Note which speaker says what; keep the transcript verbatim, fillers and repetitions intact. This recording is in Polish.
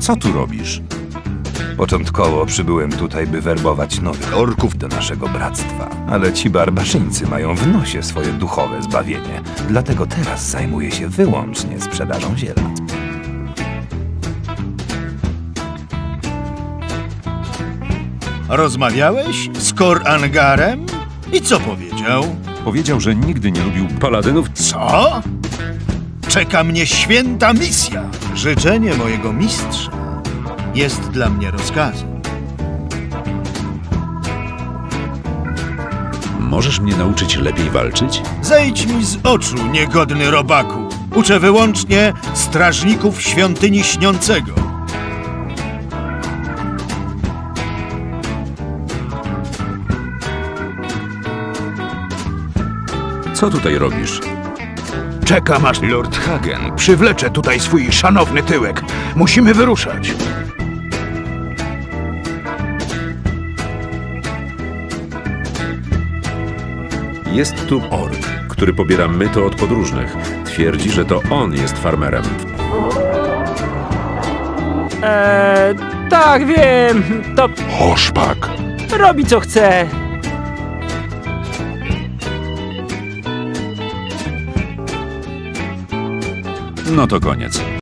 Speaker 1: Co tu robisz? Początkowo przybyłem tutaj, by werbować nowych orków do naszego bractwa. Ale ci barbarzyńcy mają w nosie swoje duchowe zbawienie. Dlatego teraz zajmuję się wyłącznie sprzedażą ziela.
Speaker 2: Rozmawiałeś z Kor Angarem? I co powiedział?
Speaker 1: Powiedział, że nigdy nie lubił paladynów.
Speaker 2: Co? Czeka mnie święta misja. Życzenie mojego mistrza jest dla mnie rozkazem.
Speaker 3: Możesz mnie nauczyć lepiej walczyć?
Speaker 2: Zejdź mi z oczu, niegodny robaku. Uczę wyłącznie strażników świątyni śniącego.
Speaker 3: Co tutaj robisz?
Speaker 4: Czekam aż Lord Hagen przywlecze tutaj swój szanowny tyłek. Musimy wyruszać.
Speaker 3: Jest tu ork, który pobiera myto od podróżnych. Twierdzi, że to on jest farmerem.
Speaker 5: Eee, tak, wiem. To
Speaker 4: Oszpak.
Speaker 5: robi co chce.
Speaker 3: No to koniec.